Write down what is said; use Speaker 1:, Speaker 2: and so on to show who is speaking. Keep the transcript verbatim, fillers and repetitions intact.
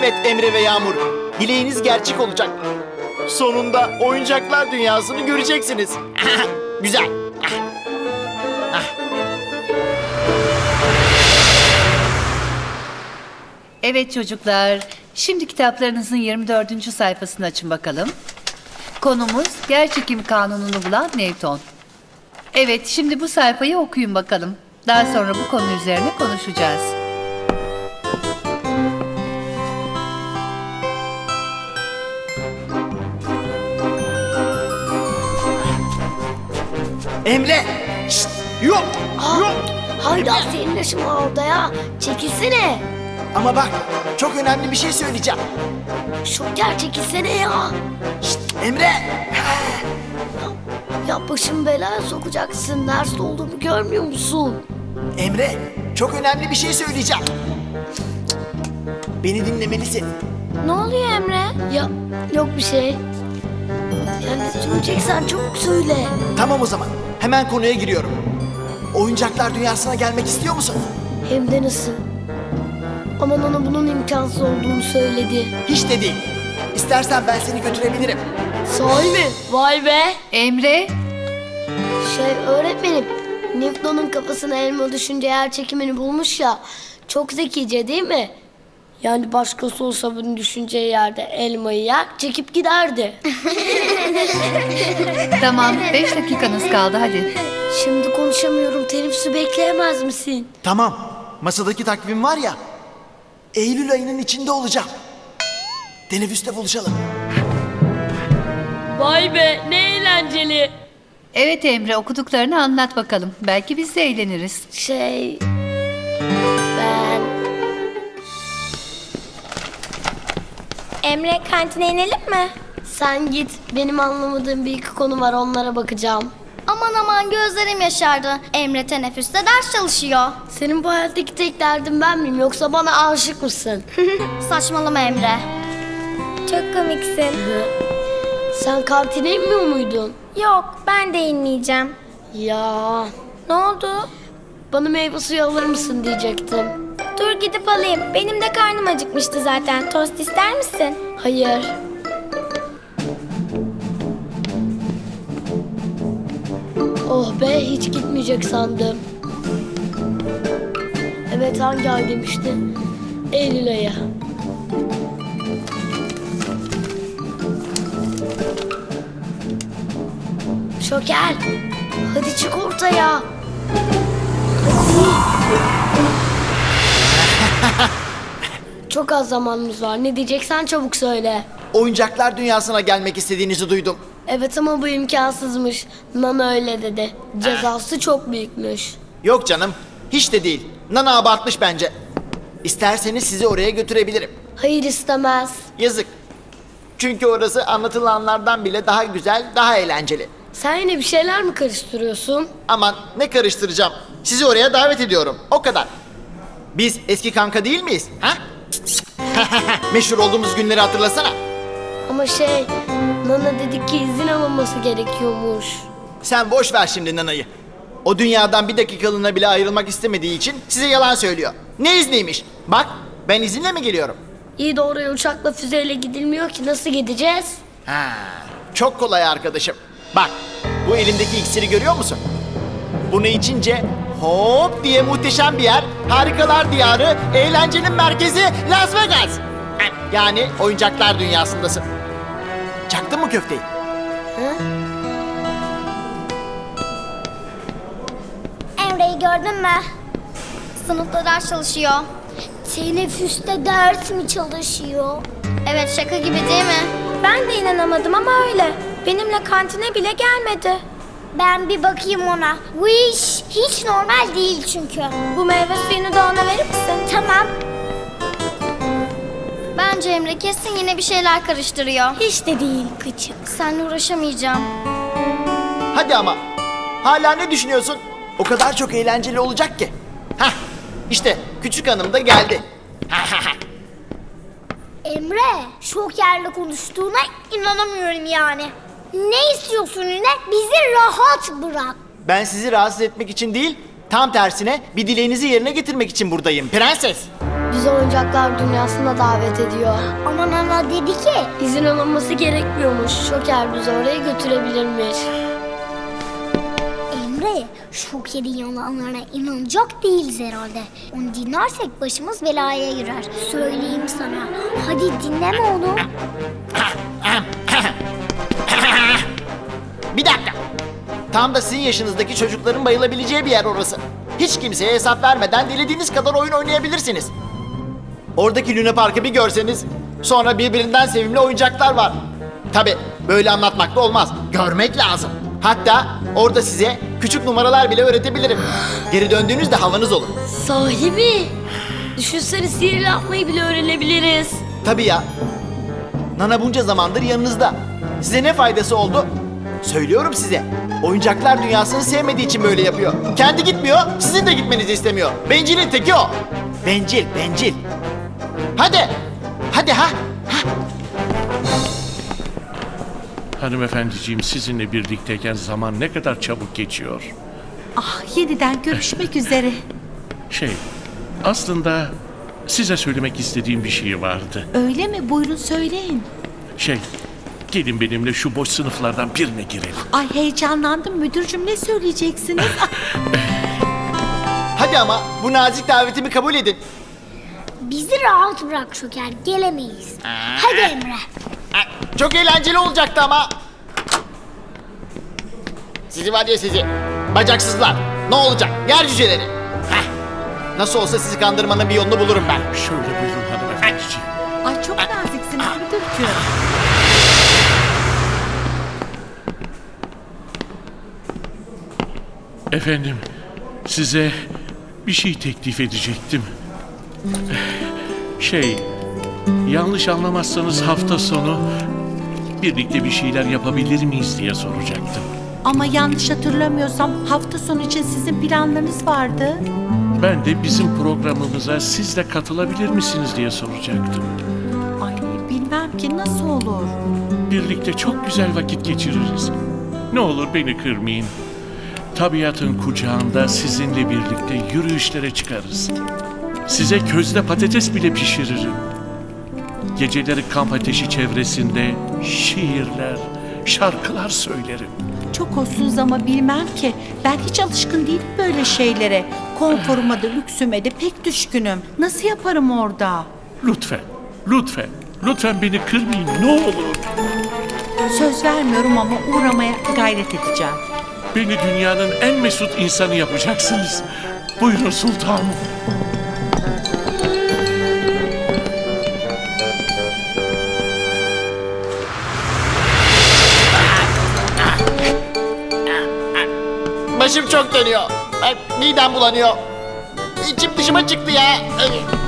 Speaker 1: Evet Emre ve Yağmur, dileğiniz gerçek olacak. Sonunda oyuncaklar dünyasını göreceksiniz. Güzel.
Speaker 2: Evet çocuklar, şimdi kitaplarınızın yirmi dördüncü sayfasını açın bakalım. Konumuz yerçekim kanununu bulan Newton. Evet, şimdi bu sayfayı okuyun bakalım. Daha sonra bu konu üzerine konuşacağız.
Speaker 1: Emre! Şşt! Yok! Yok!
Speaker 3: Hayda senin yaşın var orada ya. Çekilsene.
Speaker 1: Ama bak, çok önemli bir şey söyleyeceğim.
Speaker 3: Şoker çekilsene ya.
Speaker 1: Şşt! Emre!
Speaker 3: Ya başımı belaya sokacaksın. Nerede olduğumu görmüyor musun?
Speaker 1: Emre, çok önemli bir şey söyleyeceğim. Beni dinlemelisin.
Speaker 3: Ne oluyor Emre? Ya yok bir şey. Ya ne söyleyeceksen çabuk söyle.
Speaker 1: Tamam o zaman, hemen konuya giriyorum. Oyuncaklar dünyasına gelmek istiyor musun?
Speaker 3: Hem de nasıl? Aman ona bunun imkansız olduğunu söyledi.
Speaker 1: Hiç de değil. İstersen ben seni götürebilirim.
Speaker 3: Sahi mi? Vay be.
Speaker 2: Emre,
Speaker 3: Şey öğretmenim, Newton'un kafasına elma düşünce yer çekimini bulmuş ya. Çok zekice değil mi? Yani başkası olsa bunu düşüneceği yerde elmayı yer, çekip giderdi.
Speaker 2: tamam beş dakikanız kaldı hadi.
Speaker 3: Şimdi konuşamıyorum, teneffüsü bekleyemez misin?
Speaker 1: Tamam, masadaki takvim var ya, Eylül ayının içinde olacağım. Teneffüste buluşalım.
Speaker 3: Vay be, ne eğlenceli.
Speaker 2: Evet Emre, okuduklarını anlat bakalım. Belki biz de eğleniriz.
Speaker 3: Şey... Ben...
Speaker 4: Emre, kantine inelim mi?
Speaker 3: Sen git, benim anlamadığım bir iki konu var, onlara bakacağım.
Speaker 4: Aman aman gözlerim yaşardı. Emre teneffüste ders çalışıyor.
Speaker 3: Senin bu hayattaki tek derdin ben miyim, yoksa bana aşık mısın?
Speaker 4: Saçmalama Emre. Çok komiksin.
Speaker 3: Sen kantine inmiyor muydun?
Speaker 4: Yok, ben de inmeyeceğim.
Speaker 3: Ya...
Speaker 4: Ne oldu?
Speaker 3: Bana meyve suyu alır mısın diyecektim.
Speaker 4: Dur gidip alayım. Benim de karnım acıkmıştı zaten. Tost ister misin?
Speaker 3: Hayır. Oh be, hiç gitmeyecek sandım. Evet, hangi ay demişti? Eylül ayı. Şoker, hadi çık ortaya. Çok az zamanımız var. Ne diyeceksen çabuk söyle.
Speaker 1: Oyuncaklar dünyasına gelmek istediğinizi duydum.
Speaker 3: Evet ama bu imkansızmış. Nana öyle dedi. Cezası çok büyükmüş.
Speaker 1: Yok canım, hiç de değil. Nana abartmış bence. İsterseniz sizi oraya götürebilirim.
Speaker 3: Hayır, istemez.
Speaker 1: Yazık. Çünkü orası anlatılanlardan bile daha güzel, daha eğlenceli.
Speaker 3: Sen yine bir şeyler mi karıştırıyorsun?
Speaker 1: Aman ne karıştıracağım. Sizi oraya davet ediyorum. O kadar. Biz eski kanka değil miyiz? Ha? Meşhur olduğumuz günleri hatırlasana.
Speaker 3: Ama şey, Nana dedi ki izin alınması gerekiyormuş.
Speaker 1: Sen boş ver şimdi Nana'yı. O dünyadan bir dakikalığına bile ayrılmak istemediği için size yalan söylüyor. Ne izniymiş? Bak, ben izinle mi geliyorum?
Speaker 3: İyi de oraya uçakla füzeyle gidilmiyor ki, nasıl gideceğiz?
Speaker 1: Ha, çok kolay arkadaşım. Bak, bu elimdeki iksiri görüyor musun? Bunu içince hop diye muhteşem bir yer, harikalar diyarı, eğlencenin merkezi Las Vegas. Yani oyuncaklar dünyasındasın. Çaktın mı köfteyi?
Speaker 3: Ha?
Speaker 4: Emre'yi gördün mü? Sınıfta ders çalışıyor.
Speaker 3: Teneffüste ders mi çalışıyor?
Speaker 4: Evet şaka gibi değil mi? Ben de inanamadım ama öyle. Benimle kantine bile gelmedi.
Speaker 5: Ben bir bakayım ona. Bu iş hiç normal değil çünkü.
Speaker 4: Bu meyve suyunu da ona verir misin?
Speaker 5: Tamam.
Speaker 4: Bence Emre kesin yine bir şeyler karıştırıyor.
Speaker 5: Hiç de değil küçük.
Speaker 4: Seninle uğraşamayacağım.
Speaker 1: Hadi ama. Hala ne düşünüyorsun? O kadar çok eğlenceli olacak ki. Hah, işte küçük hanım da geldi.
Speaker 5: Emre, şokerle konuştuğuna inanamıyorum yani. Ne istiyorsun yine? Bizi rahat bırak.
Speaker 1: Ben sizi rahatsız etmek için değil, tam tersine bir dileğinizi yerine getirmek için buradayım prenses.
Speaker 3: bizi oyuncaklar dünyasına davet ediyor.
Speaker 5: Ama Nana dedi ki
Speaker 3: İzin alınması gerekmiyormuş. Şoker bizi oraya götürebilirmiş.
Speaker 5: Emre, Şoker'in yalanlarına inanacak değiliz herhalde. Onu dinlersek başımız belaya girer. Söyleyeyim sana. Hadi dinleme onu.
Speaker 1: Bir dakika. Tam da sizin yaşınızdaki çocukların bayılabileceği bir yer orası. Hiç kimseye hesap vermeden dilediğiniz kadar oyun oynayabilirsiniz. Oradaki Luna Park'ı bir görseniz, sonra birbirinden sevimli oyuncaklar var. Tabi böyle anlatmak da olmaz. Görmek lazım. Hatta orada size küçük numaralar bile öğretebilirim. Geri döndüğünüzde havanız olur.
Speaker 3: Sahi mi? Düşünsene sihir yapmayı bile öğrenebiliriz.
Speaker 1: Tabii ya. Nana bunca zamandır yanınızda. Size ne faydası oldu? Söylüyorum size. Oyuncaklar dünyasını sevmediği için böyle yapıyor. Kendi gitmiyor, sizin de gitmenizi istemiyor. Bencilin teki o. Bencil, bencil. Hadi. Hadi ha.
Speaker 6: Hanımefendiciğim, sizinle birlikteyken zaman ne kadar çabuk geçiyor.
Speaker 2: Ah, yeniden görüşmek üzere.
Speaker 6: Şey, aslında size söylemek istediğim bir şey vardı.
Speaker 2: Öyle mi? Buyurun söyleyin.
Speaker 6: Şey, gelin benimle şu boş sınıflardan birine girelim.
Speaker 2: Ay heyecanlandım müdürcüm, ne söyleyeceksiniz?
Speaker 1: Hadi ama bu nazik davetimi kabul edin.
Speaker 5: Bizi rahat bırak Şoker, gelemeyiz. Hadi Emre.
Speaker 1: Çok eğlenceli olacaktı ama. Sizi var ya sizi. Bacaksızlar. Ne olacak? Yer cüceleri. Heh. Nasıl olsa sizi kandırmanın bir yolunu bulurum ben.
Speaker 6: Şöyle buyurun hanımefendiciğim.
Speaker 2: Ay çok naziksiniz müdürcüm.
Speaker 6: Efendim, size bir şey teklif edecektim. Şey, yanlış anlamazsanız hafta sonu birlikte bir şeyler yapabilir miyiz diye soracaktım.
Speaker 7: Ama yanlış hatırlamıyorsam hafta sonu için sizin planlarınız vardı.
Speaker 6: Ben de bizim programımıza siz de katılabilir misiniz diye soracaktım.
Speaker 7: Ay bilmem ki nasıl olur.
Speaker 6: Birlikte çok güzel vakit geçiririz. Ne olur beni kırmayın. Tabiatın kucağında sizinle birlikte yürüyüşlere çıkarız. Size közde patates bile pişiririm. Geceleri kamp ateşi çevresinde şiirler, şarkılar söylerim.
Speaker 7: Çok hoşsunuz ama bilmem ki. Ben hiç alışkın değilim böyle şeylere. Konforuma da lüksüme de pek düşkünüm. Nasıl yaparım orada?
Speaker 6: Lütfen, lütfen, lütfen beni kırmayın ne olur.
Speaker 7: Söz vermiyorum ama uğramaya gayret edeceğim.
Speaker 6: Beni dünyanın en mesut insanı yapacaksınız. Buyurun sultanım.
Speaker 1: Başım çok dönüyor. Ay, midem bulanıyor. İçim dışıma çıktı ya.